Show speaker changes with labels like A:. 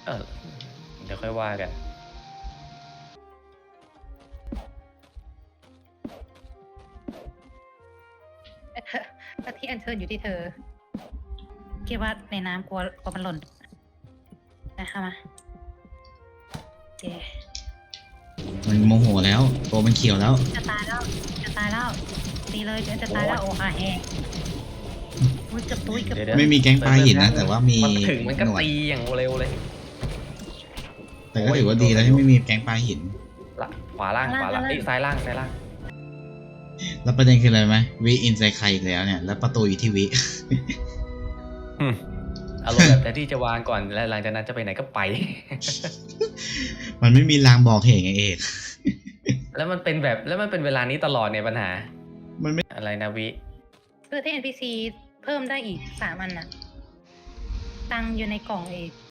A: เออเดี๋ยวค่อยว่ากัน
B: ก็ที่อันเชิญอยู่ที่เธอคิดว่าในน้ำกลัวมันหล่นนะคะมาโอเค
C: มันโมโหแล้วตัวมันเขียวแล้ว
B: จะตายแล้วตีเลยจะตายแล้วโอ้ค่ะแฮอุ้ยเกือบตุ้ยเกือบ
A: เดี๋ยว
C: ไม่มีแก๊งปลาหินนะแต่ว่ามี
A: มันถึงมันก็
C: หนวด
A: ตีอย่างเร็วเลย
C: แต่ก็ถือว่าดีแล้วที่ไม่มีแก๊งปลาหิน
A: ละขวาล่างเอ้ยซ้ายล่าง
C: แล้วประเด็นคืออะไรไหมวิอินไซใครอีกแล้วเนี่ยแล้วประตูอยู่ที่วิ
A: อารมณ์แบบแทนที่จะวางก่อนแล้วหลังจากนั้นจะไปไหนก็ไป
C: มันไม่มีรางบอกเหตุไงเอก
A: แล้วมันเป็นเวลานี้ตลอดเนี่ยปัญหา
C: มันไม่
A: อะไรนะวิ
B: เพื่อที่ NPC เพิ่มได้อีก3 อันน่ะ ตังค์อยู่ในกล่องเอง